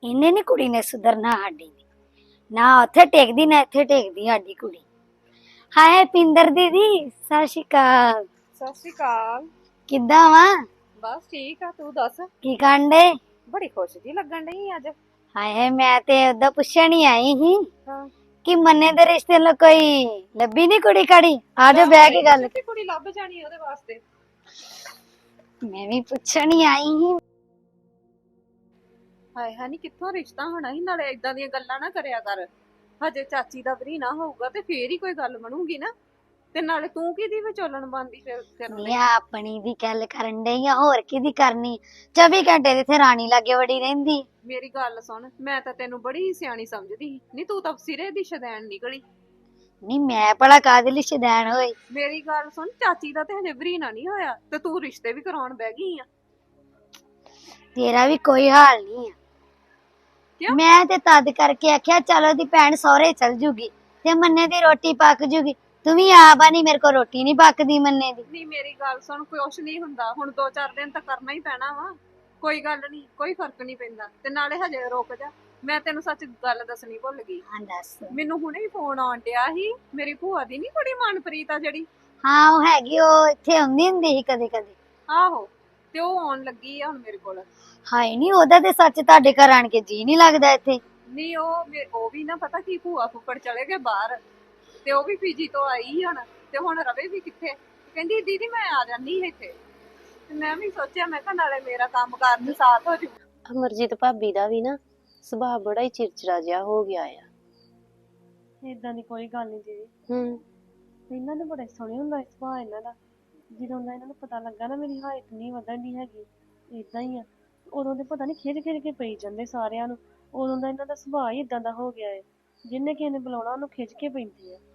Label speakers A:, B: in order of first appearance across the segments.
A: ਇਹਨੇ ਨੀ ਕੁੜੀ ਨੇ ਸੁਧਰਨਾ ਸਾਡੀ ਨੇ। ਨਾ ਉੱਥੇ ਟੇਕਦੀ ਨਾ ਇੱਥੇ ਟੇਕਦੀ ਸਾਡੀ ਕੁੜੀ। ਹਾਏ ਪਿੰਦਰ ਦੀਦੀ ਸਤਿ ਸ਼੍ਰੀ ਅਕਾਲ।
B: ਸਤਿ ਸ਼੍ਰੀ ਅਕਾਲ।
A: ਕਿੱਦਾਂ ਵਾ?
B: ਬਸ ਠੀਕ ਆ, ਤੂੰ ਦੱਸ।
A: ਕੀ ਕਾਂਡੇ?
B: ਬੜੀ ਖੁਸ਼ ਜੀ ਲੱਗਣ ਡਈ ਅੱਜ।
A: ਹਾਏ ਮੈਂ ਤੇ ਉਹਦਾ ਪੁੱਛਣ ਹੀ ਆਈ ਸੀ
B: ਹਾਂ,
A: ਕਿ ਮੰਨੇ ਦੇ ਰਿਸ਼ਤੇ ਲਈ ਕੋਈ ਲੱਭੀ ਨੀ ਕੁੜੀ ਕਾੜੀ। ਆ ਜਾ ਬਹਿ ਕੇ ਗੱਲ।
B: ਤੇ ਕੁੜੀ ਲੱਭ ਜਾਣੀ ਉਹਦੇ ਵਾਸਤੇ।
A: ਮੈਂ ਵੀ ਪੁੱਛਣ ਹੀ ਆਈ ਸੀ।
B: ਹਾਏ ਹਾਏ ਨੀ ਕਿੱਥੋਂ ਰਿਸ਼ਤਾ ਹੋਣਾ ਸੀ, ਨਾਲੇ ਇਦਾਂ ਦੀਆਂ ਗੱਲਾਂ ਨਾ ਕਰਿਆ ਕਰ। ਹਜੇ ਚਾਚੀ ਦਾ ਵਰੀ ਨਾ ਹੋਊਗਾ ਤੇ ਫੇਰ ਹੀ ਕੋਈ ਗੱਲ ਬਣੂਗੀ ਨਾ। ਤੇ ਨਾਲੇ ਤੂੰ ਕਿਹਦੀ ਵਿਚੋਲਣ ਬਣਦੀ ਫਿਰ ਕਰਨ
A: ਨਹੀਂ
B: ਲਈ?
A: ਆਪਣੀ ਦੀ ਗੱਲ ਕਰਨ ਡਈ ਆ, ਹੋਰ ਕਿਹਦੀ ਕਰਨੀ। 24 ਘੰਟੇ ਦੇ ਇੱਥੇ ਰਾਣੀ ਲਾਗੇ ਵੜੀ ਰਹਿੰਦੀ।
B: ਮੇਰੀ ਗੱਲ ਸੁਣ, ਮੈਂ ਤਾਂ ਤੈਨੂੰ ਬੜੀ ਸਿਆਣੀ ਸਮਝਦੀ ਸੀ। ਨਹੀਂ ਤੂੰ ਤਾਂ ਸਿਰੇ ਦੀ ਸ਼ਦੈਣ ਨਿਕਲੀ।
A: ਨਹੀਂ ਮੈਂ ਭਲਾ ਕਾਹਦੇ ਲਈ ਸ਼ੁਦੈਣ ਹੋਈ?
B: ਮੇਰੀ ਗੱਲ ਸੁਣ, ਚਾਚੀ ਦਾ ਤੇ ਹਜੇ ਵਰੀ ਨਾ ਨਹੀਂ ਹੋਇਆ ਤੇ ਤੂੰ ਰਿਸ਼ਤੇ ਵੀ ਕਰਾਉਣ ਬਹਿ ਗਈ ਆ।
A: ਤੇਰਾ ਵੀ ਕੋਈ ਹਾਲ ਨਹੀਂ ਆ।
B: ਕਿਉਂ?
A: ਮੈਂ ਤੇ ਤਦ ਕਰਕੇ ਆਖਿਆ ਚਲੋ ਦੀ ਭੈਣ ਸਹੁਰੇ ਚਲ ਜੂਗੀ ਤੇ ਮੰਨੇ ਦੀ ਰੋਟੀ ਪੱਕ ਜੂਗੀ। ਤੂੰ ਵੀ ਆਪ ਆ, ਨਹੀਂ ਮੇਰੇ ਕੋਲ ਰੋਟੀ ਨਹੀਂ ਪੱਕਦੀ ਮੰਨੇ ਦੀ।
B: ਨਹੀਂ ਮੇਰੀ ਗੱਲ ਸੁਣ, ਕੁਛ ਨਹੀਂ ਹੁੰਦਾ। ਹੁਣ 2-4 ਦਿਨ ਤਾਂ ਕਰਨਾ ਹੀ ਪੈਣਾ ਵਾ। ਕੋਈ ਗੱਲ ਨਹੀਂ, ਕੋਈ ਫਰਕ ਨਹੀਂ ਪੈਂਦਾ। ਤੇ ਨਾਲੇ ਹਜੇ ਰੁਕ ਜਾ, ਮੈਂ ਤੈਨੂੰ ਸੱਚ ਗੱਲ ਦੱਸਣੀ ਭੁੱਲ ਗਈ।
A: ਹਾਂ ਦੱਸ।
B: ਮੈਨੂੰ ਹੁਣੇ ਹੀ ਫੋਨ ਆਉਣ ਡਿਆ ਸੀ, ਮੇਰੀ ਭੂਆ ਦੀ ਨਹੀਂ ਕੁੜੀ ਮਨਪ੍ਰੀਤ ਆ ਜਿਹੜੀ।
A: ਹਾਂ ਉਹ ਹੈਗੀ, ਉਹ ਇੱਥੇ ਆਉਂਦੀ ਹੁੰਦੀ ਸੀ ਕਦੇ ਕਦੇ।
B: ਆਹੋ, ਤੇ ਉਹ ਆਉਣ ਲੱਗੀ ਆ ਹੁਣ ਮੇਰੇ ਕੋਲ।
A: ਹਾਏ ਨਹੀਂ ਉਹਦਾ ਤੇ ਸੱਚ ਤੁਹਾਡੇ ਘਰ ਆਣ ਕੇ ਜੀ ਨਹੀਂ ਲੱਗਦਾ ਇੱਥੇ।
B: ਨਹੀਂ ਉਹ ਵੀ ਨਾ ਪਤਾ ਕੀ, ਭੂਆ ਫੁੱਫੜ ਚਲੇ ਗਏ ਬਾਹਰ ਤੇ ਉਹ ਵੀ ਪੀਜੀ ਤੋਂ ਆਈ ਹੁਣ। ਤੇ ਹੁਣ ਰਵੇ ਵੀ ਕਿੱਥੇ? ਕਹਿੰਦੀ ਦੀਦੀ ਮੈਂ ਆ ਜਾਨੀ ਇੱਥੇ। ਤੇ ਮੈਂ ਵੀ ਸੋਚਿਆ, ਮੈਂ ਕਿਹਾ ਨਾਲੇ ਮੇਰਾ ਕੰਮ ਕਾਰ ਚ ਸਾਥ ਹੋ ਜੂ।
C: ਅਮਰਜੀਤ ਭਾਬੀ ਦਾ ਵੀ ਨਾ ਸੁਭਾਅ ਬੜਾ ਹੀ ਚਿੜਚਿੜਾ ਜਿਹਾ ਹੋ ਗਿਆ ਆ।
D: ਏਦਾਂ ਦੀ ਕੋਈ ਗੱਲ ਨਹੀਂ ਦੀਦੀ।
C: ਹੂੰ।
D: ਇਹਨਾਂ ਦੇ ਬੜੇ ਸੋਹਣੇ ਹੁੰਦਾ ਸੁਭਾਅ ਇਹਨਾਂ ਦਾ। ਜਦੋਂ ਦਾ ਇਹਨਾਂ ਨੂੰ ਪਤਾ ਲੱਗਾ ਨਾ ਮੇਰੀ ਹਾਈਟ ਨਹੀਂ ਵਧਣ ਦੀ ਹੈਗੀ, ਏਦਾਂ ਹੀ ਆ, ਉਦੋਂ ਦੇ ਪਤਾ ਨਹੀਂ ਖਿੱਚ ਖਿੱਚ ਕੇ ਪਈ ਜਾਂਦੇ ਸਾਰਿਆਂ ਨੂੰ। ਉਦੋਂ ਦਾ ਇਹਨਾਂ ਦਾ ਸੁਭਾਅ ਹੀ ਏਦਾਂ ਦਾ ਹੋ ਗਿਆ ਹੈ, ਜਿਹਨੇ ਕਿਸੇ ਨੇ ਬੁਲਾਉਣਾ ਉਹਨੂੰ ਖਿੱਚ ਕੇ ਪੈਂਦੀ ਆ।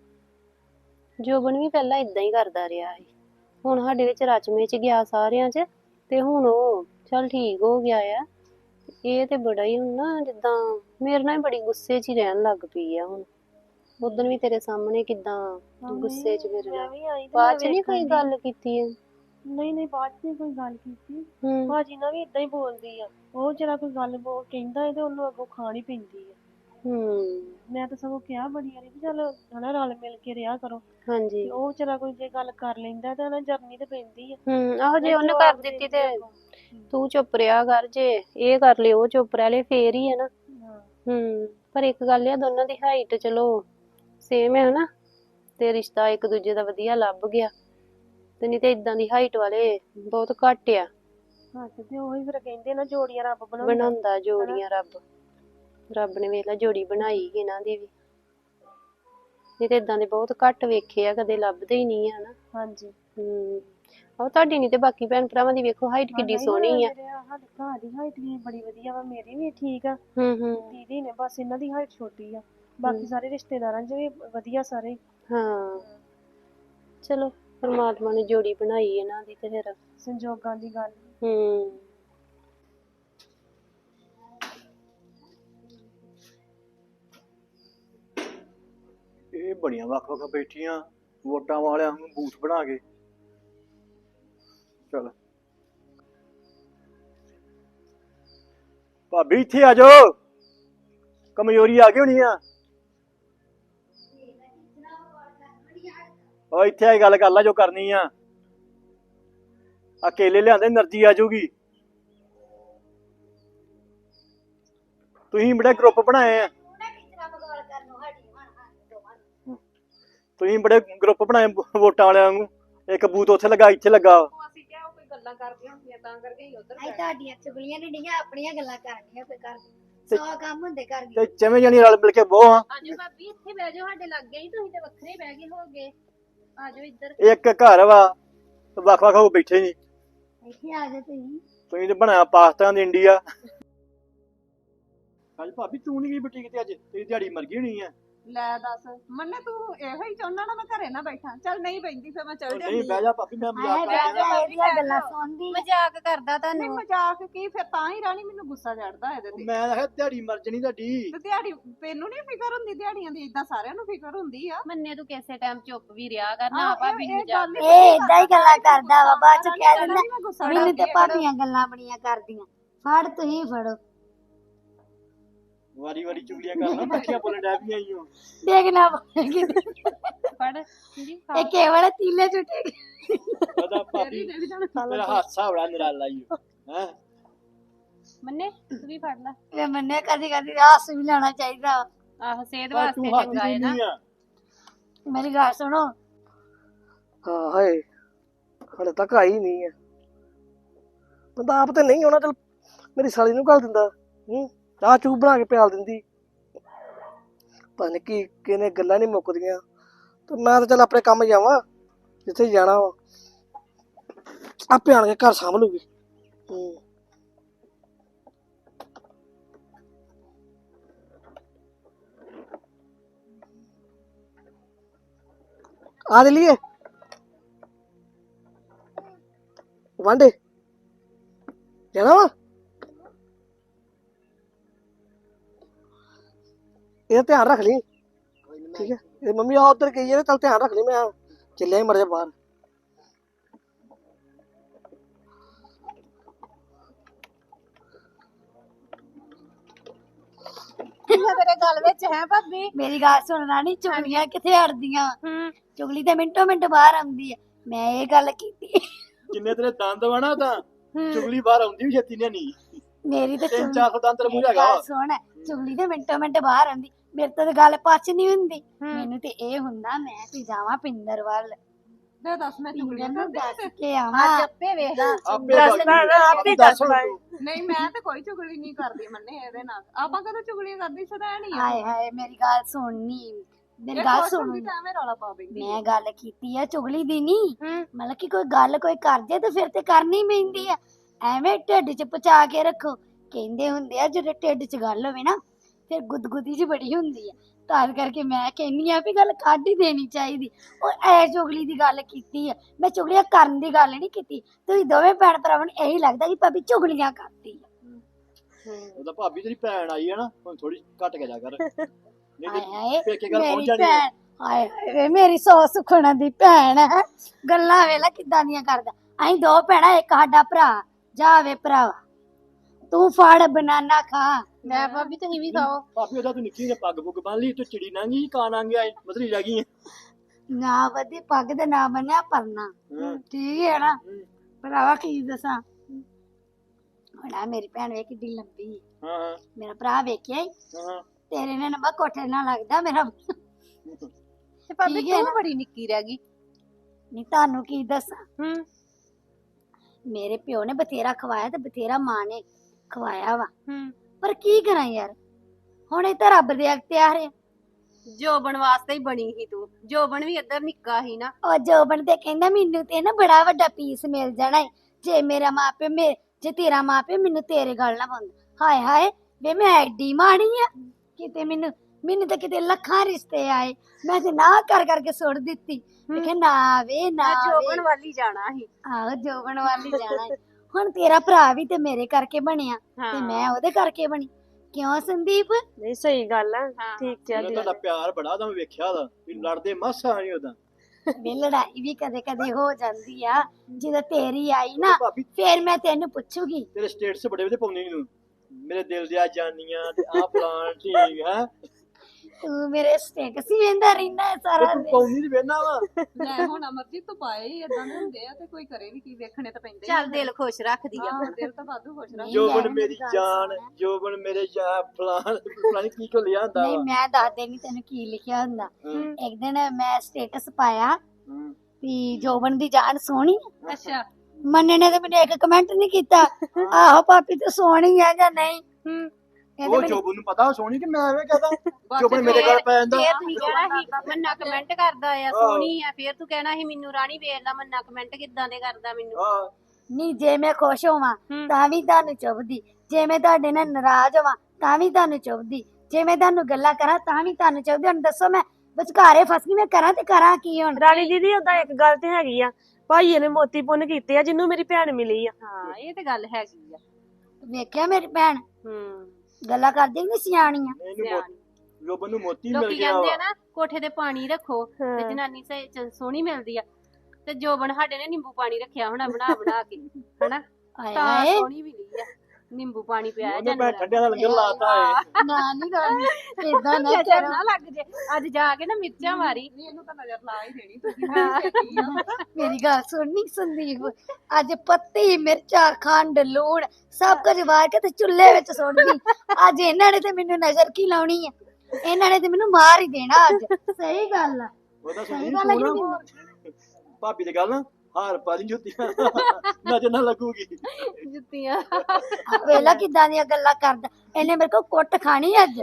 C: ਜੋਬਨ ਵੀ ਪਹਿਲਾਂ ਇਦਾਂ ਹੀ ਕਰਦਾ ਰਿਹਾ ਸੀ, ਹੁਣ ਸਾਡੇ ਵਿੱਚ ਰਚਮੇ ਚ ਗਿਆ ਸਾਰਿਆਂ ਚ, ਤੇ ਹੁਣ ਉਹ ਚੱਲ ਠੀਕ ਹੋ ਗਿਆ ਆ। ਇਹ ਤੇ ਬੜਾ ਹੀ ਹੁਣ ਨਾ ਜਿੱਦਾਂ ਮੇਰੇ ਨਾਲ ਬੜੀ ਗੁੱਸੇ 'ਚ ਹੀ ਰਹਿਣ ਲੱਗ ਪਈ ਆ ਹੁਣ। ਉਦਣ ਵੀ ਤੇਰੇ ਸਾਹਮਣੇ ਕਿਦਾਂ ਗੁੱਸੇ 'ਚ ਮੇਰੇ ਨਾਲ। ਬਾਅਦ 'ਚ ਨਹੀਂ ਕੋਈ ਗੱਲ ਕੀਤੀ ਹੈ?
D: ਨਹੀਂ ਨਹੀਂ ਬਾਅਦ ਚ ਨੀ ਕੋਈ ਗੱਲ ਕੀਤੀ।
C: ਹੂੰ।
D: ਭਾਜੀ ਨਾਲ ਵੀ ਏਦਾਂ ਹੀ ਬੋਲਦੀ ਆ। ਉਹ ਜਿਹੜਾ ਕੋਈ ਗੱਲ ਕਹਿੰਦਾ ਹੈ ਤੇ ਉਹਨੂੰ ਅੱਗੋਂ ਖਾਣੀ ਪੈਂਦੀ ਆ।
C: ਹੂੰ।
D: ਮੈਂ ਤਾਂ ਸਗੋਂ ਕਿਹਾ ਬੜੀ ਵਾਰੀ ਵੀ ਚੱਲ ਹਨਾ ਰਲ ਮਿਲ ਕੇ ਰਿਹਾ ਕਰੋ।
C: ਹਾਂਜੀ।
D: ਤੇ ਉਹ ਵਿਚਾਰਾ ਕੋਈ ਜੇ ਗੱਲ ਕਰ ਲੈਂਦਾ ਤਾਂ ਉਹਨੇ ਜਰਨੀ ਤੇ ਪੈਂਦੀ ਆ।
C: ਆਹੋ ਜੇ ਉਹਨੇ ਕਰ ਦਿੱਤੀ ਤੇ ਤੂੰ ਚੁੱਪ ਰਿਹਾ ਕਰ, ਜੇ ਇਹ ਕਰ ਲਿਓ ਉਹ ਚੁੱਪ ਰਹਿ ਲੇ ਫੇਰ ਹੀ ਹੈ ਨਾ। ਪਰ ਇੱਕ ਗੱਲ ਆ, ਦੋਨਾਂ ਦੀ ਹਾਈਟ ਚਲੋ ਸੇਮ ਹੈ ਨਾ, ਤੇ ਰਿਸ਼ਤਾ ਇੱਕ ਦੂਜੇ ਦਾ ਵਧੀਆ ਲੱਭ ਗਿਆ। ਤੇ ਨਹੀਂ ਤੇ ਇਦਾਂ ਦੀ ਹਾਈਟ ਵਾਲੇ ਬਹੁਤ ਘੱਟ ਆ।
D: ਹਾਂ ਤੇ ਉਹੀ ਫਿਰ ਕਹਿੰਦੇ ਨਾ ਜੋੜੀਆਂ ਰੱਬ
C: ਬਣਾਉਂਦਾ ਜੋੜੀਆਂ ਰੱਬ ਨੇ ਵੇਖ ਲਾ ਜੋੜੀ ਬਣਾਈ ਇਹਨਾਂ ਦੀ ਵੀ। ਨਹੀਂ ਤੇ ਇਦਾਂ ਦੇ ਬਹੁਤ ਘੱਟ ਵੇਖੇ ਆ, ਕਦੇ ਲੱਭਦੇ ਹੀ ਨਹੀਂ ਆ ਨਾ।
D: ਹਾਂਜੀ।
C: ਉਹ ਤੁਹਾਡੀ ਨਹੀਂ ਤੇ ਬਾਕੀ ਭੈਣ ਭਰਾਵਾਂ ਦੀ ਵੇਖੋ ਹਾਈਟ ਕਿੱਡੀ ਸੋਹਣੀ ਆ।
D: ਸਾਡੇ ਭਰਾ ਦੀ ਹਾਈਟ ਵੀ ਬੜੀ ਵਧੀਆ ਵਾ, ਮੇਰੀ ਵੀ ਠੀਕ ਆ। ਦੀਦੀ ਨੇ ਬਸ ਇਹਨਾਂ ਦੀ ਹਾਈਟ ਛੋਟੀ ਆ, ਬਾਕੀ ਸਾਰੇ ਰਿਸ਼ਤੇਦਾਰਾਂ ਚ ਵੀ ਵਧੀਆ ਸਾਰੇ।
C: ਹਾਂ ਚਲੋ ਪਰਮਾਤਮਾ ਨੇ ਜੋੜੀ ਬਣਾਈ ਇਹਨਾਂ ਦੀ ਤੇ ਫਿਰ
D: ਸੰਜੋਗਾਂ ਦੀ ਗੱਲ।
E: ਇਹ ਬੜੀਆਂ ਵੱਖ ਵੱਖ ਬੈਠੀਆਂ ਵੋਟਾਂ ਵਾਲਿਆਂ ਨੂੰ ਬੂਥ ਬਣਾ ਕੇ। ਚਲ ਭਾਬੀ ਇੱਥੇ ਆ ਜਾਓ, ਕਮਜ਼ੋਰੀ ਆ ਗਈ ਹੋਣੀ ਆ। ਉਹ ਇੱਥੇ ਆਈ ਗੱਲ ਕਰ ਲੈ ਜੋ ਕਰਨੀ ਆ। ਅਕੇਲੇ ਲਿਆਂਦੇ એનર્ਜੀ ਆ ਜਾਊਗੀ। ਤੁਸੀਂ ਬੜੇ ਗਰੁੱਪ ਬਣਾਏ ਆ, ਤੁਸੀਂ ਬੜੇ ਗਰੁੱਪ ਬਣਾਏ ਵੋਟਾਂ ਵਾਲਿਆਂ ਨੂੰ। ਇੱਕ ਬੂਥ ਉੱਥੇ ਲੱਗਾ, ਇੱਥੇ ਲੱਗਾ।
B: ਅਸੀਂ ਕਿਹਾ ਕੋਈ ਗੱਲਾਂ ਕਰਦੀਆਂ ਹੁੰਦੀਆਂ ਤਾਂ ਕਰਕੇ ਹੀ ਉਧਰ
A: ਆਈ ਤੁਹਾਡੀਆਂ ਚੁਗਲੀਆਂ ਨੇ ਡੀਆਂ ਆਪਣੀਆਂ ਗੱਲਾਂ ਕਰਨੀਆਂ ਕੋਈ ਕਰ। 100 ਕੰਮ ਹੁੰਦੇ ਘਰ
E: ਤੇ ਚਵੇਂ ਜਣੀ ਰਲ ਮਿਲ ਕੇ ਬੋ ਹਾਂ।
B: ਆਜੋ ਭਾਬੀ ਇੱਥੇ ਬਹਿ ਜਾਓ, ਸਾਡੇ ਲੱਗ ਗਏ ਤੁਸੀਂ ਤੇ ਵੱਖਰੇ ਬਹਿ ਗਏ ਹੋਗੇ। ਆਜੋ ਇੱਧਰ।
E: ਇੱਕ ਘਰ ਵਾ ਵੱਖ ਵੱਖ ਹੋ ਬੈਠੇ ਨਹੀਂ।
A: ਇੱਥੇ ਆ ਜਾ
E: ਤੁਸੀਂ ਤੇ ਬਣਾਇਆ ਪਾਕਿਸਤਾਨ ਦੀ ਇੰਡੀਆ। ਅੱਜ ਭਾਬੀ ਤੂੰ ਨਹੀਂ ਗਈ ਬੁਟੀਕ ਤੇ? ਅੱਜ ਤੇਰੀ ਦਿਹਾੜੀ ਮਰ ਗਈ ਹੋਣੀ ਆ।
B: ਲੈ ਦੱਸ ਮੰਨੇ, ਤੂੰ ਇਹੋ ਹੀ ਚਾਹੁੰਦਾ ਨਾ ਮੈਂ ਘਰੇ ਨਾ ਬੈਠਾ? ਚੱਲ ਨਹੀਂ ਬੈਂਦੀ ਫਿਰ ਮੈਂ ਚੱਲ
E: ਨਹੀਂ
B: ਜਾਂਦੀ।
E: ਬਹਿ ਜਾ ਭਾਬੀ, ਮੈਂ ਮਜ਼ਾਕ ਕਰਦਾ।
A: ਇਹਦੀਆਂ ਗੱਲਾਂ ਸੁਣਦੀ
C: ਮਜ਼ਾਕ ਕਰਦਾ
B: ਨਹੀਂ
C: ਤੁਹਾਨੂੰ।
B: ਮਜ਼ਾਕ ਕੀ, ਫਿਰ ਤਾਂ ਹੀ ਰਾਣੀ ਮੈਨੂੰ ਗੁੱਸਾ ਚੜਦਾ ਇਹਦੇ ਤੇ।
E: ਮੈਂ ਆਖਿਆ ਦਿਹਾੜੀ ਮਰ ਜਣੀ ਤੁਹਾਡੀ।
B: ਤੇ ਦਿਹਾੜੀ ਤੈਨੂੰ ਨਹੀਂ ਫਿਕਰ ਹੁੰਦੀ ਦਿਹਾੜੀਆਂ ਦੀ? ਇਦਾਂ ਸਾਰਿਆਂ ਨੂੰ ਫਿਕਰ ਹੁੰਦੀ ਆ।
C: ਮੰਨੇ ਤੂੰ ਕਿਸੇ ਟਾਈਮ ਚੁੱਪ ਵੀ ਰਿਹਾ ਕਰਨਾ ਭਾਬੀ ਨੂੰ ਜਾ।
A: ਇਹ ਏਦਾਂ ਹੀ ਗੱਲਾਂ ਕਰਦਾ ਵਾ, ਬਾਅਦ ਚ ਕਹਿ ਦਿੰਦਾ
B: ਗੁੱਸਾ
A: ਮੈਨੂੰ ਤੇ ਭਾਬੀਆਂ ਗੱਲਾਂ ਬੜੀਆਂ ਕਰਦੀਆਂ। ਫੜ ਤੁਸੀਂ ਫੜੋ।
E: ਵਾਰੀ ਵਾਰੀ ਚੁਗਲੀਆਂ ਕਰਨਾ ਪੱਖੀਆਂ ਬੋਲਣ ਡੈ ਪਈਆਂ ਈ ਓ।
A: ਦੇਖ ਨਾ ਬੋਲੇਗੀ।
C: ਫੜ ਜੀ
A: ਇਹ ਕੇਵਲ ਤੀਲੇ ਝੁੱਟੇ
E: ਉਹਦਾ ਭਾਬੀ ਤੇਰਾ ਹਾਸਾ ਬੜਾ ਨਿਰਾਲਾ ਈ ਓ। ਹੈਂ
C: ਮੰਨੇ ਤੂੰ ਵੀ ਫੜ ਲੈ।
A: ਇਹ ਮੰਨੇ ਕਦੀ ਕਦੀ ਰਾਸ ਵੀ ਲੈਣਾ ਚਾਹੀਦਾ।
C: ਆਹੋ ਸਿਹਤ
E: ਪਰ
C: ਵਾਸਤੇ
E: ਤੂੰ
C: ਚੰਗਾ ਹੈ ਨਾ।
E: ਹੱਥ ਆ
A: ਮੇਰੀ ਗੱਲ ਸੁਣੋ,
F: ਹਾਂ ਹਾਏ ਹਲੇ ਤੱਕ ਆਈ ਨਹੀਂ ਹੈ। ਬੰਦਾ ਆਪ ਤੇ ਨਹੀਂ ਆਉਣਾ, ਚਲ ਮੇਰੀ ਸਾਲੀ ਨੂੰ ਘੱਲ ਦਿੰਦਾ। ਚਾਹ ਚੂਹ ਬਣਾ ਕੇ ਪਿਆਲ ਦਿੰਦੀ। ਪਤਾ ਨੀ ਕੀ ਕਿਹਨੇ ਗੱਲਾਂ ਨਹੀਂ ਮੁੱਕਦੀਆਂ। ਤੇ ਮੈਂ ਤਾਂ ਚੱਲ ਆਪਣੇ ਕੰਮ ਜਾਵਾਂ ਜਿੱਥੇ ਜਾਣਾ ਵਾ, ਆਪੇ ਆਣ ਕੇ ਘਰ ਸਾਂਭ ਲੂਗੀ। ਆ ਦਲੀਏ ਵਾਂਡੇ ਜਾਣਾ ਵਾ। ਇਹਦਾ ਧਿਆਨ ਰੱਖ ਲਈ, ਠੀਕ ਹੈ। ਇਹ ਮੰਮੀ ਆ ਉਧਰ ਗਈ ਹੈ, ਚੱਲ ਧਿਆਨ ਰੱਖ ਲਈ। ਮੈਂ ਚੱਲਿਆ ਹੀ ਮਰ ਜਾ ਬਾਹਰ।
C: ਤੇਰੇ ਗੱਲ ਵਿੱਚ ਹੈ ਭਾਬੀ।
A: ਮੇਰੀ ਗੱਲ ਸੁਣਨਾ ਨਹੀਂ, ਚੁਗਲੀਆਂ ਕਿੱਥੇ ਹਟਦੀਆਂ। ਚੁਗਲੀ ਤੇ ਮਿੰਟੋ ਮਿੰਟ ਬਾਹਰ ਆਉਂਦੀ ਹੈ। ਮੈਂ ਇਹ ਗੱਲ ਕੀਤੀ,
E: ਜਿੰਨੇ ਤੇਰੇ ਦੰਦ ਵਣਾ ਤਾਂ ਚੁਗਲੀ ਬਾਹਰ ਆਉਂਦੀ ਵੀ ਛੇਤੀ ਨਹੀਂ।
A: ਮੇਰੀ ਤੇ
E: 300-400 ਦੰਦ ਤੇਰੇ ਮੂੰਹ
A: ਮੇਰੀ
E: ਹੈਗਾ
A: ਗੱਲ
E: ਵਾ।
A: ਸੁਣ, ਚੁਗਲੀ ਤੇ ਮਿੰਟੋ ਮਿੰਟ ਬਾਹਰ ਆਉਂਦੀ। ਮੇਰੇ ਤੋਂ ਤਾਂ ਗੱਲ ਪਚ ਨਹੀਂ ਹੁੰਦੀ। ਮੈਨੂੰ ਤੇ ਇਹ ਹੁੰਦਾ ਮੈਂ ਤੇ ਜਾਵਾਂ ਪਿੰਦਰ ਵੱਲ,
B: ਤੇ ਦੱਸ ਮੈਂ ਚੁਗਲੀਆਂ
A: ਪਿੰਦਰ ਨੂੰ
B: ਕਰਦੀ
A: ਦੱਸ ਕੇ ਆਵਾਂ।
C: ਆਪੇ ਵੇਖ ਲਾ।
E: ਆਪੇ ਦੱਸ ਹੁਣ ਤੂੰ।
B: ਨਹੀਂ ਮੈਂ ਤੇ ਕੋਈ ਚੁਗਲੀ ਨਹੀਂ ਕਰਦੀ ਮੰਨੇ ਇਹਦੇ ਨਾਲ। ਆਪਾਂ ਕਦੋਂ ਚੁਗਲੀਆਂ ਕਰਦੀ ਸਦਾ ਨਹੀਂ ਆ।
A: ਹਾਏ ਹਾਏ ਮੇਰੀ ਗੱਲ ਸੁਣਨੀ, ਮੇਰੀ ਗੱਲ ਸੁਣ।
B: ਐਵੇਂ ਰੌਲਾ ਪਾ ਬੈਂਦੀ।
A: ਮੈਂ ਗੱਲ ਕੀਤੀ ਆ ਚੁਗਲੀ ਦੀ ਨਹੀਂ, ਮਤਲਬ ਕਿ ਕੋਈ ਗੱਲ ਕੋਈ ਕਰ ਜੇ ਤੇ ਫਿਰ ਤੇ ਕਰਨੀ ਪੈਂਦੀ ਆ। ਐਵੇਂ ਢਿੱਡ 'ਚ ਪਚਾ ਕੇ ਰੱਖੋ। ਕਹਿੰਦੇ ਹੁੰਦੇ ਆ ਜਦੋਂ ਢਿੱਡ 'ਚ ਗੱਲ ਹੋਵੇ ਨਾ ਫਿਰ ਗੁਦਗੁਦੀ ਜੀ ਬੜੀ ਹੁੰਦੀ ਆ। ਤਾਂ ਕਰਕੇ ਮੈਂ ਕਹਿੰਨੀ ਆ ਵੀ ਗੱਲ ਕੱਢ ਹੀ ਦੇਣੀ ਚਾਹੀਦੀ। ਉਹ ਐ ਚੁਗਲੀ ਦੀ ਗੱਲ ਕੀਤੀ ਆ, ਮੈਂ ਚੁਗਲੀਆਂ ਕਰਨ ਦੀ ਗੱਲ ਨਹੀਂ ਕੀਤੀ। ਤੁਸੀਂ ਦੋਵੇਂ ਭੈਣ ਭਰਾਵਾਂ ਨੂੰ ਇਹੀ ਲੱਗਦਾ ਕਿ ਭਾਬੀ ਚੁਗਲੀਆਂ ਕਰਦੀ ਆ।
E: ਉਹਦਾ ਭਾਬੀ ਤੇਰੀ ਭੈਣ ਆਈ ਹੈ ਨਾ, ਹੁਣ ਥੋੜੀ ਘੱਟ ਕੇ ਜਾ ਕਰ। ਨਹੀਂ
A: ਹਾਏ
E: ਤੇ
A: ਹਾਏ
E: ਪੇਕੇ ਗੱਲ
A: ਮੇਰੀ
E: ਪਹੁੰਚ ਜਾਣੀ ਆ।
A: ਭੈਣ, ਹਾਏ ਹਾਏ ਮੇਰੀ ਸੌ ਸੁਖਣਾ ਦੀ ਭੈਣ ਹੈ। ਗੱਲਾਂ ਵੇਲਾ ਕਿੱਦਾਂ ਦੀਆਂ ਕਰਦਾ। ਅਸੀਂ ਦੋ ਭੈਣਾਂ, ਇੱਕ ਸਾਡਾ ਭਰਾ। ਜਾਵੇ ਭਰਾਵਾ ਤੂੰ ਫੜ ਬਨਾਨਾ ਖਾ।
C: ਲੈ ਭਾਬੀ ਤੁਸੀਂ ਵੀ ਖਾਓ।
E: ਭਾਬੀ ਉਹਦਾ ਤੂੰ ਨਿੱਕੀ ਜਿਹੀ ਪੱਗ ਪੁੱਗ ਬੰਨ ਲਈ, ਤੂੰ ਚਿੜੀ ਲੰਘੀ ਕਾਂ ਲੰਘ ਗਿਆ, ਮਸਲੀ ਰਹਿ ਗਈ।
A: ਨਾ ਵਧੀ ਪੱਗ ਤੇ ਨਾ ਬੰਨਿਆ ਪਰਨਾ, ਠੀਕ ਹੈ ਨਾ ਭਰਾਵਾ। ਕੀ ਦੱਸਾਂ ਹੁਣ ਆ ਮੇਰੀ ਭੈਣ ਵੇ ਕਿੱਡੀ ਲੰਬੀ ਹੈ।
E: ਹਾਂ ਹਾਂ
A: ਮੇਰਾ ਭਰਾ ਵੇਖਿਆ ਈ,
E: ਹਾਂ।
A: ਤੇਰੇ ਨੇ ਨੰਬਰ ਕੋਠੇ ਨਾਲ ਲੱਗਦਾ ਮੇਰਾ।
C: ਤੇ ਭਾਬੀ
A: ਠੀਕ ਹੈ
C: ਤੂੰ
A: ਨਾ?
C: ਬੜੀ ਨਿੱਕੀ ਰਹਿ ਗਈ।
A: ਨਹੀਂ ਤੁਹਾਨੂੰ ਕੀ ਦੱਸਾਂ, ਮੇਰੇ ਪਿਓ ਨੇ ਬਥੇਰਾ ਖਵਾਇਆ ਤੇ ਬਥੇਰਾ ਮਾਂ ਨੇ ਖਵਾਇਆ ਵਾ। ਪਰ ਕੀ ਕਰਾਂ ਯਾਰ, ਹੁਣ ਇਹ ਤਾਂ ਰੱਬ ਦੇ ਅਖਤਿਆਰ ਹੈ।
C: ਜੋਬਨ ਵਾਸਤੇ ਹੀ ਬਣੀ ਸੀ ਤੂੰ। ਜੋਬਨ ਵੀ ਇੱਧਰ ਨਿੱਕਾ ਸੀ ਨਾ।
A: ਉਹ ਜੋਬਨ ਤੇ ਕਹਿੰਦਾ ਮੈਨੂੰ ਤੇ ਨਾ ਬੜਾ ਵੱਡਾ ਪੀਸ ਮਿਲ ਜਾਣਾ ਏ ਜੇ ਮੇਰਾ ਮਾਪੇ ਜੇ ਤੇਰਾ ਮਾਪੇ ਮੈਨੂੰ ਤੇਰੇ ਗੱਲ ਨਾ ਪਾਉਂਦਾ। ਹਾਏ ਹਾਏ ਵੇ ਮੈਂ ਐਡੀ ਮਾੜੀ ਆ, ਕਿਤੇ ਮੈਨੂੰ ਤਾਂ ਕਿਤੇ ਲੱਖਾਂ ਰਿਸ਼ਤੇ ਆਏ, ਮੈਂ ਤੇ ਨਾ ਕਰ ਕਰਕੇ ਸੁੱਟ ਦਿੱਤੀ। ਮੈਂ ਕਿਹਾ ਨਾ ਵੇ ਨਾ
C: ਜੋਬਨ
A: ਵੇ।
C: ਵਾਲੀ ਜਾਣਾ ਸੀ।
A: ਆਹੋ ਜੋਬਨ ਵਾਲੀ ਜਾਣਾ ਏ। ਹੁਣ ਤੇਰਾ ਭਰਾ ਵੀ ਤੇ ਮੇਰੇ ਕਰਕੇ ਬਣਿਆ ਤੇ ਮੈਂ ਉਹਦੇ ਕਰਕੇ ਬਣੀ। ਕਿਉਂ ਸੰਦੀਪ?
D: ਨਹੀਂ ਸਹੀ ਗੱਲ ਆ,
C: ਹਾਂ।
D: ਠੀਕ ਕਿਹਾ ਜੀ।
E: ਤੁਹਾਡਾ ਪਿਆਰ ਬੜਾ ਤਾਂ ਮੈਂ ਵੇਖਿਆ ਦਾ ਵੀ ਲੜਦੇ ਮਾਸਾ ਨਹੀਂ ਉਹਦਾ।
A: ਵੇ ਲੜਾਈ ਵੀ ਕਦੇ ਕਦੇ ਹੋ ਜਾਂਦੀ ਆ। ਜਦੋਂ ਤੇਰੀ ਆਈ ਨਾ
E: ਭਾਬੀ
A: ਫੇਰ ਮੈਂ ਤੈਨੂੰ ਪੁੱਛੂਗੀ।
E: ਤੇਰੇ ਸਟੇਟਸ ਬੜੇ ਵਧੀਆ ਪਾਉਂਦੀ ਨੂੰ, ਮੇਰੇ ਦਿਲ ਦੀਆਂ ਜਾਨੀਆਂ ਤੇ ਆ ਫਲਾਣ ਠੀਕ ਹੈ।
A: ਤੂੰ ਮੇਰੇ ਸਟੇਟਸ ਹੀ ਵੇਂਦਾ ਰਹਿੰਦਾ ਹੈ ਸਾਰਾ
E: ਤੂੰ
A: ਦਿਨ।
E: ਪਾਉਂਦੀ ਤੇ ਵੇਨਾ ਵਾ।
B: ਲੈ ਹੁਣ ਅਮਰਜੀਤ ਤੂੰ ਪਾਏ ਹੀ ਇਦਾਂ ਦੇ ਹੁੰਦੇ ਆ ਤੇ ਕੋਈ ਕਰੇ ਵੀ ਕੀ, ਵੇਖਣੇ ਤਾਂ ਪੈਂਦੇ ਹੀ
C: ਚੱਲ
B: ਆ।
C: ਦਿਲ ਖੁਸ਼ ਰੱਖਦੀ ਆ।
B: ਹਾਂ, ਦਿਲ ਤਾਂ ਵਾਧੂ ਖੁਸ਼ ਰਹਿੰਦਾ।
A: ਨਹੀਂ,
E: ਜੋਬਨ
A: ਯਾਰ,
E: ਮੇਰੀ
A: ਗੱਲ
E: ਜਾਨ,
A: ਸੁਣ।
E: ਜੋਬਨ ਮੇਰੇ ਜਾਨ ਫਲਾਣ ਕੀ ਕੋ ਲਿਆ ਹੁੰਦਾ
A: ਨਹੀਂ
E: ਵਾ।
A: ਮੈਂ ਦੱਸ ਦੇਣੀ ਤੈਨੂੰ ਕੀ ਲਿਖਿਆ ਹੁੰਦਾ। ਇੱਕ ਦਿਨ ਮੈਂ ਸਟੇਟਸ ਪਾਇਆ ਵੀ ਜੋਬਨ ਦੀ ਜਾਨ ਸੋਹਣੀ ਆ।
C: ਅੱਛਾ।
A: ਮੰਨੇ ਨੇ ਤੇ ਮੈਨੂੰ ਇੱਕ ਕਮੈਂਟ ਨਹੀਂ ਕੀਤਾ ਆਹੋ ਭਾਬੀ ਤੂੰ ਸੋਹਣੀ ਆ ਜਾਂ ਨਹੀਂ। ਕਹਿੰਦੇ
E: ਉਹ
A: ਮੈਨੂੰ
E: ਜੋਬਨ ਨੂੰ ਪਤਾ ਉਹ ਸੋਹਣੀ ਕਿ ਮੈਂ ਐਵੇਂ ਕਹਦਾ।
B: ਬਸ
E: ਜੋਬਨ ਮੇਰੇ ਗੱਲ ਪੈ ਜਾਂਦਾ।
C: ਫੇਰ ਤੁਸੀਂ ਕਹਿਣਾ ਸੀ ਮੰਨਾ ਕਮੈਂਟ ਕਰਦਾ ਆ ਸੋਹਣੀ ਆ, ਫੇਰ ਤੂੰ ਕਹਿਣਾ ਸੀ ਮੈਨੂੰ ਰਾਣੀ ਵੇਖ ਲਾ ਮੰਨਾ ਕਮੈਂਟ ਕਿੱਦਾਂ ਦੇ ਕਰਦਾ ਮੈਨੂੰ।
E: ਹਾਂ
A: ਨਹੀਂ ਜੇ ਮੈਂ ਖੁਸ਼ ਹੋਵਾਂ ਤਾਂ ਵੀ ਤੁਹਾਨੂੰ ਚੁੱਭਦੀ, ਜੇ ਮੈਂ ਤੁਹਾਡੇ ਨਾਲ ਨਾਰਾਜ਼ ਹੋਵਾਂ ਤਾਂ ਵੀ ਤੁਹਾਨੂੰ ਚੁੱਭਦੀ, ਜੇ ਮੈਂ ਤੁਹਾਨੂੰ ਗੱਲਾਂ ਕਰਾਂ ਤਾਂ ਵੀ ਤੁਹਾਨੂੰ ਚੁੱਭਦੀ। ਹੁਣ ਦੱਸੋ ਮੈਂ ਵਿਚਕਾਰੇ ਫਸ ਗਈ, ਮੈਂ ਕਰਾਂ ਤੇ ਕਰਾਂ ਕੀ ਹੁਣ?
D: ਰਾਣੀ ਦੀਦੀ ਓਦਾਂ ਇੱਕ ਗੱਲ ਤੇ ਹੈਗੀ ਆ, ਭਾਈਏ ਨੇ ਮੋਤੀ ਪੁੰਨ ਕੀਤੇ ਆ ਜਿਹਨੂੰ ਮੇਰੀ ਭੈਣ ਮਿਲੀ ਆ।
C: ਹਾਂ ਇਹ ਤੇ ਗੱਲ ਹੈਗੀ ਆ।
A: ਵੇਖਿਆ ਮੇਰੀ ਭੈਣ ਗੱਲਾਂ ਕਰਦੀ ਨਹੀਂ ਸਿਆਣੀਆਂ।
E: ਇਹਨੂੰ ਜੋਬਨ ਨੂੰ ਮੋਤੀ ਮਿਲ
C: ਲੋਕੀ
E: ਗਿਆ
C: ਕਹਿੰਦੇ
E: ਵਾ।
C: ਆ ਨਾ ਕੋਠੇ ਤੇ ਪਾਣੀ ਰੱਖੋ ਤੇ ਜਨਾਨੀ ਸੋਹਣੀ ਮਿਲਦੀ ਆ, ਤੇ ਜੋਬਨ ਸਾਡੇ ਨੇ ਨਿੰਬੂ ਪਾਣੀ ਰੱਖਿਆ ਹੋਣਾ ਬਣਾ ਬਣਾ ਕੇ ਹਨਾ,
A: ਹਾਏ
C: ਤਾਂ
A: ਹਾਏ
C: ਸੋਹਣੀ ਮਿਲੀ ਆ। ਨਿੰਬੂ ਪਾਣੀ ਪਿਆਇਆ
E: ਉਹਨੇ ਮੈਂ
C: ਜਾਨਵਰਾਂ
E: ਠੰਡਿਆਂ ਦਾ ਲੰਗਰ ਲਾਤਾ ਏ।
A: ਨਾ ਨਹੀਂ ਰਾਣੀ ਇਦਾਂ ਨਾ
C: ਨਜ਼ਰ
A: ਕਰੋ
C: ਨਾ ਲੱਗ ਜੇ ਅੱਜ ਜਾ ਕੇ ਨਾ ਮਿਰਚਾਂ ਮਾਰੀ
B: ਨਹੀਂ ਇਹਨੂੰ ਤਾਂ ਨਜ਼ਰ ਲਾ ਹੀ ਦੇਣੀ ਤੁਸੀਂ ਮੈਂ ਛੇਤੀ ਆ ਪਤਾ
A: ਮੇਰੀ ਗੱਲ ਸੁਣਨੀ ਸੰਦੀਪ ਅੱਜ ਪੱਤੀ ਮਿਰਚਾਂ ਖੰਡ ਲੂਣ ਸਭ ਕੁਝ ਵਾਰ ਕੇ ਤੇ ਚੁੱਲ੍ਹੇ ਵਿੱਚ ਸੁੱਟਦੀ ਅੱਜ ਇਹਨਾਂ ਨੇ ਤੇ ਮੈਨੂੰ ਨਜ਼ਰ ਕੀ ਲਾਉਣੀ ਆ ਇਹਨਾਂ ਨੇ ਤੇ ਮੈਨੂੰ ਮਾਰ ਹੀ ਦੇਣਾ ਅੱਜ ਸਹੀ ਗੱਲ ਆ
E: ਉਹਦਾ
A: ਸਹੀ
E: ਸੁਣੀ
A: ਗੱਲ ਆ
E: ਤੂੰ
A: ਕਿ
E: ਨਾ ਭਾਬੀ ਦੀ ਗੱਲ ਨਾ ਹਾਰ ਪਾ ਲਈ ਜੁੱਤੀਆਂ ਨਜ਼ਰ ਨਾ ਲੱਗੂਗੀ।
C: ਜੁੱਤੀਆਂ
A: ਵੇਲਾ ਕਿਦਾਂ ਦੀਆਂ ਗੱਲਾਂ ਕਰਦਾ ਇਹਨੇ ਮੇਰੇ ਕੋਲ ਕੁੱਟ ਖਾਣੀ ਅੱਜ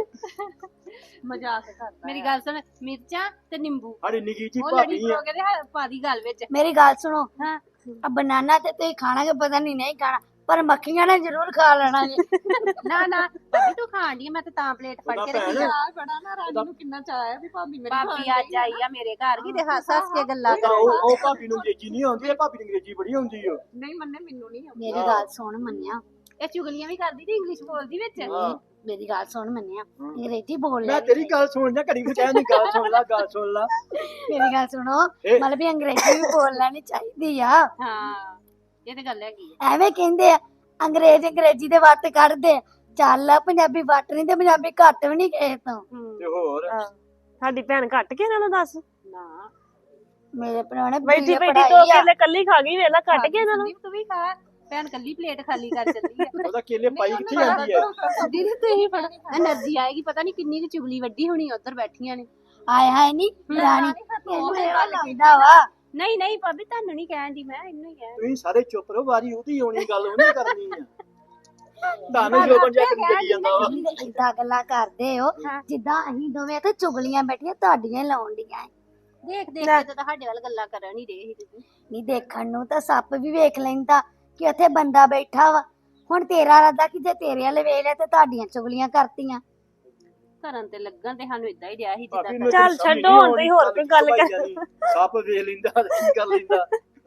B: ਮਜ਼ਾਕ ਕਰਦਾ
C: ਮੇਰੀ ਗੱਲ ਸੁਣ ਮਿਰਚਾਂ ਤੇ ਨਿੰਬੂ
E: ਸਾਡੀ ਨਿੱਕੀ ਜੀ
C: ਉਹ
E: ਭਾਬੀ
C: ਲੜੀ
E: ਆ।
C: ਪਰੋਗੇ ਤੇ ਪਾ ਦੀ ਗੱਲ ਵਿੱਚ
A: ਮੇਰੀ ਗੱਲ ਸੁਣੋ
C: ਹਾਂ
A: ਆ ਬਨਾਨਾ ਤੇ ਤੁਸੀਂ ਖਾਣਾ ਕਿ ਪਤਾ ਨਹੀਂ ਖਾਣਾ ਪਰ ਮੱਖੀਆਂ ਨੇ ਜ਼ਰੂਰ ਖਾ ਲੈਣਾ ਜੀ
C: ਨਾ ਨਾ ਭਾਬੀ ਤੂੰ ਖਾਣ ਦੀ ਮੈਂ ਤੇ ਤਾਂ ਪਲੇਟ ਫੜ
E: ਉਹਦਾ
C: ਕੇ ਰੱਖੀ
E: ਭੈਣ
B: ਚਾਹ ਬੜਾ ਨਾ ਰਾਣੀ ਨੂੰ ਕਿੰਨਾ ਚਾਹ ਆ ਵੀ ਭਾਬੀ ਮੇਰੀ
C: ਭਾਬੀ ਅੱਜ ਆਈ ਆ ਮੇਰੇ ਘਰ ਕੀ ਤੇ ਹੱਸ ਹੱਸ ਕੇ ਗੱਲਾਂ
E: ਤਾਂ ਉਹ ਭਾਬੀ ਨੂੰ ਅੰਗਰੇਜ਼ੀ ਨਹੀਂ ਆਉਂਦੀ ਇਹ ਭਾਬੀ ਨੂੰ ਅੰਗਰੇਜ਼ੀ ਬੜੀ ਆਉਂਦੀ ਓ।
B: ਨਹੀਂ ਮੰਨੇ ਮੈਨੂੰ ਨਹੀਂ ਆਉਂਦੀ
A: ਮੇਰੀ ਗੱਲ ਸੁਣ ਮੰਨਿਆ
C: ਇਹ ਚੁਗਲੀਆਂ ਵੀ ਕਰਦੀ ਤੇ ਇੰਗਲਿਸ਼ ਬੋਲਦੀ ਵਿੱਚ
E: ਹਾਂ।
A: ਮੇਰੀ ਗੱਲ ਸੁਣ ਮੰਨਿਆ ਅੰਗਰੇਜ਼ੀ ਬੋਲ ਲੈ
E: ਮੈਂ ਤੇਰੀ ਗੱਲ ਸੁਣ ਜਾ ਘੜੀ ਨੂੰ ਕਹਿਣ ਗੱਲ ਸੁਣ ਲਾ ਗੱਲ ਸੁਣ ਲਾ।
A: ਮੇਰੀ ਗੱਲ ਸੁਣੋ
E: ਇਹ-
A: ਮਤਲਬ ਵੀ ਅੰਗਰੇਜ਼ੀ ਵੀ ਬੋਲ ਲੈਣੀ ਚਾਹੀਦੀ ਆ
C: ਹਾਂ ਇਹ ਤੇ ਗੱਲ ਹੈਗੀ ਆ
A: ਐਵੇਂ ਕਹਿੰਦੇ ਆ ਅੰਗਰੇਜ਼ੀ ਦੇ ਵੱਟ ਕੱਢਦੇ ਆ। ਚੱਲ ਆ ਪੰਜਾਬੀ ਵੱਟ ਨਹੀਂ ਤੇ ਪੰਜਾਬੀ ਘੱਟ ਵੀ ਨਹੀਂ ਕਿਸੇ ਤੋਂ
E: ਤੇ ਹੋਰ
D: ਸਾਡੀ ਭੈਣ ਘੱਟ ਕੇ ਇਹਨਾਂ ਨੂੰ ਦੱਸ
C: ਨਾ
A: ਮੇਰੇ ਪ੍ਰਾਹੁਣੇ
D: ਬੈਠੀ
A: BA
D: ਬੈਠੀ ਦੋ
A: ਪੜ੍ਹਾਈ ਆ।
D: ਕੇਲੇ ਕੱਲੀ ਖਾ ਗਈ ਵੇਲਾ ਕੱਟ ਕੇ ਇਹਨਾਂ ਨੂੰ
C: ਸੰਦੀਪ ਤੂੰ ਵੀ ਖਾ ਭੈਣ ਕੱਲੀ ਪਲੇਟ ਖਾਲੀ ਕਰ ਚੱਲੀ ਆ
E: ਉਹਦਾ ਕੇਲੇ ਪਾਈ ਕਿੱਥੇ ਜਾਂਦੀ ਹੈ।
C: ਦੀਦੀ ਤੁਸੀਂ ਫੜ એનર્ਜੀ ਆਏਗੀ ਪਤਾ ਨਹੀਂ ਕਿੰਨੀ ਕੁ ਚੁਗਲੀ ਵੱਡੀ ਹੋਣੀ ਉਧਰ ਬੈਠੀਆਂ ਨੇ
A: ਆਏ ਹਾਏ ਨਹੀਂ ਰਾਣੀ ਤੈਨੂੰ ਇਹੋ ਲੱਗਦਾ ਵਾ
C: ਨਹੀਂ ਨਹੀਂ ਭਾਬੀ ਤੁਹਾਨੂੰ ਨਹੀਂ ਕਹਿਣ ਦੀ ਮੈਂ ਇਹਨੂੰ ਹੀ ਕਹਿਣ
E: ਤੁਸੀਂ ਸਾਰੇ ਚੁੱਪ ਰਹੋ ਵਾਰੀ ਉਹਦੀ ਆਉਣੀ ਗੱਲ ਉਹਨੇ ਕਰਨੀ ਆ। ਤੁਹਾਨੂੰ ਜੋ ਬੰਜਾ ਕਰੀ ਚੱਲੀ ਜਾਂਦਾ ਵਾ।
A: ਏਦਾਂ ਗੱਲਾਂ ਕਰਦੇ ਹੋ ਜਿੱਦਾਂ ਅਸੀਂ ਦੋਵੇਂ ਤੇ ਚੁਗਲੀਆਂ ਬੈਠੀਆਂ ਤੁਹਾਡੀਆਂ ਲਾਉਣ ਡੀਆਂ
C: ਦੇਖ ਦੇਖ ਕੇ ਤਾਂ ਤੁਹਾਡੇ ਵੱਲ ਗੱਲਾਂ ਕਰਨ ਹੀ ਰਹੇ ਸੀ ਤੁਸੀਂ
A: ਨਹੀਂ ਦੇਖਣ ਨੂੰ ਤਾਂ ਸੱਪ ਵੀ ਵੇਖ ਲੈਂਦਾ ਕਿ ਉੱਥੇ ਬੰਦਾ ਬੈਠਾ ਵਾ ਹੁਣ ਤੇਰਾ ਇਰਾਦਾ ਕਿ ਜੇ ਤੇਰੇ ਵਾਲੇ ਵੇਖ ਲਿਆ ਤੇ ਤੁਹਾਡੀਆਂ ਚੁਗਲੀਆਂ ਕਰਤੀਆਂ
C: ਕਰਨ ਤੇ ਲੱਗਣ ਤੇ ਸਾਨੂੰ ਇਦਾਂ ਹੀ ਰਿਹਾ ਸੀ
E: ਭਾਬੀ
C: ਜਿੱਦਾਂ
E: ਨੂੰ
D: ਚੱਲ
E: ਸਮਝ
D: ਛੱਡੋ,
E: ਨਹੀਂ
D: ਹੁਣ ਤੁਸੀਂ ਹੋਰ ਕੋਈ ਗੱਲ ਕਰ।
E: ਭਾਈ ਜਾਨੀ, ਸੱਪ ਵੇਖ ਲੈਂਦਾ ਤੇ ਕੀ ਕਰ ਲੈਂਦਾ।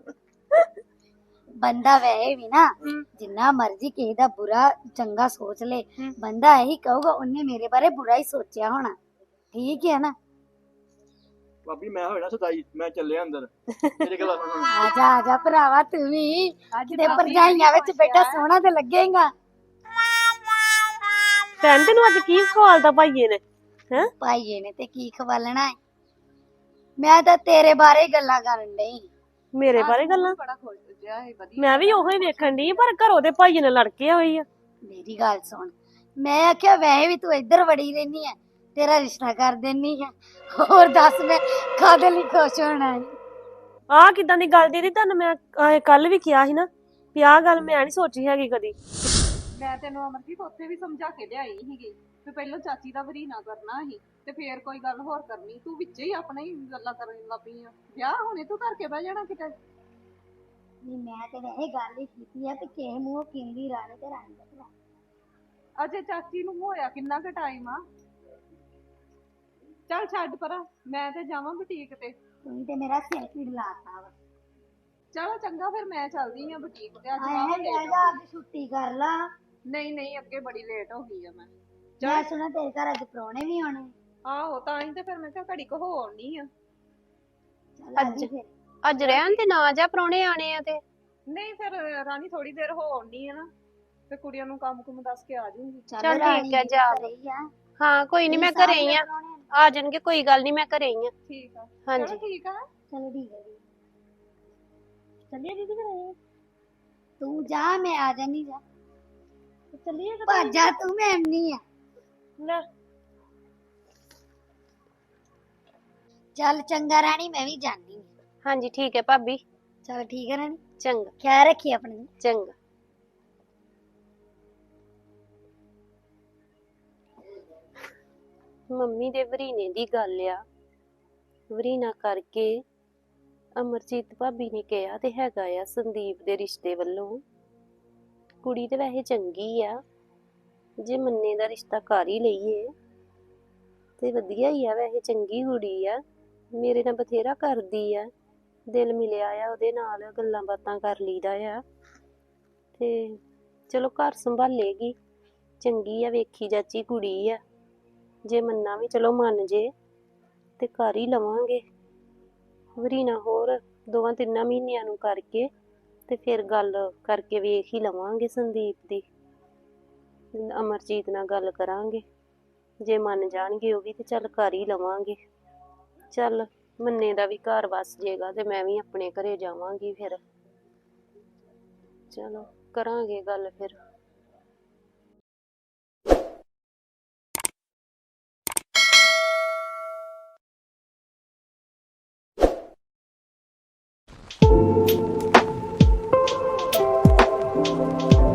A: ਬੰਦਾ ਵੈਸੇ ਵੀ ਨਾ ਜਿੰਨਾ ਮਰਜ਼ੀ ਕਿਸੇ ਦਾ ਬੁਰਾ ਚੰਗਾ ਸੋਚ ਲੇ ਬੰਦਾ ਇਹੀ ਕਹੂਗਾ ਉਹਨੇ ਮੇਰੇ ਬਾਰੇ ਬੁਰਾ ਹੀ ਸੋਚਿਆ ਹੋਣਾ ਠੀਕ ਹੈ ਨਾ
E: ਭਾਬੀ ਮੈਂ ਹੋਇਆ ਸਦਾਈ ਮੈਂ ਚੱਲਿਆ ਅੰਦਰ ਮੇਰੇ ਕੋਲ
A: ਆ ਜਾ ਭਰਾਵਾ ਤੂੰ ਵੀ ਕਿਤੇ ਭਰਜਾਈਆਂ ਵਿੱਚ ਬੈਠਾ ਸੋਹਣਾ ਤੇ ਲੱਗੇਗਾ
D: ਭੈਣ ਤੈਨੂੰ ਅੱਜ ਕੀ ਖਵਾਲਦਾ ਭਾਈਏ ਨੇ ਹੈ
A: ਭਾਈਏ ਨੇ ਤੇ ਕੀ ਖਵਾਲਣਾ ਹੈ ਮੈਂ ਤਾਂ ਤੇਰੇ ਬਾਰੇ ਹੀ ਗੱਲਾਂ ਕਰਨ ਡਈ
D: ਮੇਰੇ ਬਾਰੇ ਗੱਲਾਂ
B: ਬੜਾ ਖੁਸ਼ ਜਿਹਾ ਹੈ ਵਧੀਆ
D: ਮੈਂ ਵੀ ਉਹੀ ਵੇਖਣ ਦੀ ਪਰ ਘਰੋਂ ਦੇ ਭਾਈਏ ਨੇ ਲੜ ਕੇ ਹੋਈ ਆ
A: ਮੇਰੀ ਗੱਲ ਸੁਣ ਮੈਂ ਆਖਿਆ ਵੈਸੇ ਵੀ ਤੂੰ ਇੱਧਰ ਵੜੀ ਰਹਿਨੀ ਆ ਤੇਰਾ ਰਿਸ਼ਤਾ ਕਰ ਦੇਣੀ ਆ ਹੋਰ ਦੱਸ ਮੈਂ ਕਾਹਦੇ ਲਈ ਖੁਸ਼ ਹੋਣਾ ਹੈ
D: ਆਹ ਕਿਦਾਂ ਦੀ ਗੱਲ ਦੀਦੀ ਤੁਹਾਨੂੰ ਮੈਂ ਕੱਲ ਵੀ ਕਿਹਾ ਸੀ ਨਾ ਵੀ ਆਹ ਗੱਲ ਮੈਂ ਨਹੀਂ ਸੋਚੀ ਹੈਗੀ ਕਦੀ
B: ਮੈਂ ਤੈਨੂੰ ਅਮਰਜੀਤ ਉੱਥੇ ਵੀ ਸਮਝਾ ਕੇ ਲਿਆਈ ਸੀਗੀ ਤੇ ਪਹਿਲਾਂ ਚਾਚੀ ਦਾ ਵਰੀਨਾ ਕਰਨਾ ਸੀ ਤੇ ਫੇਰ ਕੋਈ ਗੱਲ ਹੋਰ ਕਰਨੀ ਤੂੰ ਵਿੱਚੇ ਹੀ ਆਪਣੇ ਹੀ ਗੱਲਾਂ ਕਰਨ ਲੱਗ ਪਈ ਆ ਵਿਆਹ ਹੁਣੇ ਤੂੰ ਕਰਕੇ ਬਹਿ ਜਾਣਾ ਕਿਤੇ
A: ਨਹੀਂ ਮੈਂ ਤੇ ਵੈਸੇ ਗੱਲ ਹੀ ਕੀਤੀ ਆ ਕਿ ਕਿਸੇ ਮੂੰਹ ਕਿੰਦੀ ਰਾਣੀ ਤੇ ਰਾਣੀ ਦਾ ਭਰਾ।
B: ਅਜੇ ਚਾਚੀ ਨੂੰ ਹੋਇਆ ਕਿੰਨਾ ਕੁ ਟਾਈਮ ਆ ਚੱਲ ਛੱਡ ਪਰਾਂ ਮੈਂ ਤੇ ਜਾਵਾਂ ਬੁਟੀਕ ਤੇ
A: ਤੂੰ ਤੇ ਮੇਰਾ ਸਿਰ ਪੀੜ ਲਾਤਾ ਵਾ
B: ਚਲੋ ਚੰਗਾ ਫਿਰ ਮੈਂ ਚੱਲਦੀ ਆ ਬੁਟੀਕ ਤੇ ਅੱਜ
A: ਆਏ
B: ਵਾਹਵਾ
A: ਲੈ
B: ਲੇਟ
A: ਜਾ ਅੱਜ ਛੁੱਟੀ ਕਰ ਲਾ
B: ਨਹੀਂ ਨਹੀਂ ਅੱਗੇ ਬੜੀ ਲੇਟ ਹੋ ਗਈ ਆ ਮੈਂ
A: ਮੈਂ ਸੁਣਾ ਤੇਰੇ ਘਰ ਅੱਜ ਪ੍ਰਾਹੁਣੇ ਵੀ ਆਉਣੇ
B: ਆਹੋ ਤਾਂ ਹੀ ਤੇ ਫਿਰ ਮੈਂ ਕਿਹਾ ਘੜੀ ਕੋ ਹੋ ਆਉਣੀ ਆ
A: ਚੱਲ ਅੱਜ ਫਿਰ
C: ਅੱਜ ਰਹਿਣ ਤੇ ਨਾ ਜਾ ਪ੍ਰਾਹੁਣੇ ਆਣੇ ਆ ਤੇ
B: ਨਹੀਂ ਫਿਰ ਰਾਣੀ ਥੋੜੀ ਦੇਰ ਹੋ ਆਉਣੀ ਆ ਨਾ ਤੇ ਕੁੜੀਆਂ ਨੂੰ ਕੰਮ ਕੁਮ ਦੱਸ ਕੇ ਆ ਜਾਊਂਗੀ
C: ਚੱਲ
A: ਰਾਣੀ
C: ਠੀਕ ਹੈ,
A: ਵੀ
C: ਜਾ।
A: ਘਰੇ ਹੀ ਆ।
C: ਹਾਂ ਕੋਈ ਨਹੀਂ ਮੈਂ ਘਰੇ ਹੀ ਆ ਆ ਜਾਣਗੇ ਕੋਈ ਗੱਲ ਨਹੀਂ ਮੈਂ ਘਰੇ ਹੀ ਆ
B: ਠੀਕ ਆ
C: ਹਾਂਜੀ।
B: ਚਲੋ ਠੀਕ ਆ
A: ਚਲੋ ਠੀਕ ਹੈ ਜੀ
D: ਚੱਲੀਏ ਦੀਦੀ ਘਰੇ
A: ਤੂੰ ਜਾ ਮੈਂ ਆ ਜਾਨੀ ਜਾ
D: ਚੱਲੀਏ
A: ਭੱਜ ਜਾ ਤੂੰ ਮੈਂ ਨਹੀਂ ਆ
D: ਲੈ
A: ਚੱਲ ਚੰਗਾ ਰਾਣੀ ਮੈਂ ਵੀ ਜਾਣੀ
C: ਹਾਂਜੀ ਠੀਕ ਹੈ ਭਾਬੀ
A: ਚਲ ਠੀਕ ਹੈ ਰਾਣੀ
C: ਚੰਗਾ
A: ਖਿਆਲ ਰੱਖੀ ਆਪਣਾ
C: ਚੰਗਾ ਮੰਮੀ ਦੇ ਵਰੀਨੇ ਦੀ ਗੱਲ ਆ ਵਰੀਨਾ ਕਰਕੇ ਅਮਰਜੀਤ ਭਾਬੀ ਨੇ ਕਿਹਾ ਤੇ ਹੈਗਾ ਆ ਸੰਦੀਪ ਦੇ ਰਿਸ਼ਤੇ ਵੱਲੋਂ ਕੁੜੀ ਤੇ ਵੈਸੇ ਚੰਗੀ ਆ ਜੇ ਮੰਨੇ ਦਾ ਰਿਸ਼ਤਾ ਕਰ ਹੀ ਲਈਏ ਤੇ ਵਧੀਆ ਹੀ ਆ ਵੈਸੇ ਚੰਗੀ ਕੁੜੀ ਆ ਮੇਰੇ ਨਾਲ ਬਥੇਰਾ ਕਰਦੀ ਆ ਦਿਲ ਮਿਲਿਆ ਆ ਉਹਦੇ ਨਾਲ ਗੱਲਾਂ ਬਾਤਾਂ ਕਰ ਲਈਦਾ ਆ ਤੇ ਚਲੋ ਘਰ ਸੰਭਾਲੇਗੀ ਚੰਗੀ ਆ ਵੇਖੀ ਜਾਚੀ ਕੁੜੀ ਆ ਜੇ ਮੰਨਾ ਵੀ ਚਲੋ ਮੰਨ ਜੇ ਤੇ ਕਰ ਹੀ ਲਵਾਂਗੇ ਵਰੀਨਾ ਹੋਰ 2-3 ਮਹੀਨਿਆਂ ਨੂੰ ਕਰਕੇ ਤੇ ਫਿਰ ਗੱਲ ਕਰਕੇ ਵੇਖ ਹੀ ਲਵਾਂਗੇ ਸੰਦੀਪ ਦੀ ਅਮਰਜੀਤ ਨਾਲ ਗੱਲ ਕਰਾਂਗੇ, ਜੇ ਮੰਨ ਜਾਣਗੇ ਉਹ ਵੀ ਤੇ ਚੱਲ ਕਰ ਹੀ ਲਵਾਂਗੇ। ਚੱਲ ਮੰਨੇ ਦਾ ਵੀ ਘਰ ਵਸ ਜੇਗਾ ਤੇ ਮੈਂ ਵੀ ਆਪਣੇ ਘਰੇ ਜਾਵਾਂਗੀ ਫਿਰ। ਚਲੋ ਕਰਾਂਗੇ ਗੱਲ ਫਿਰ।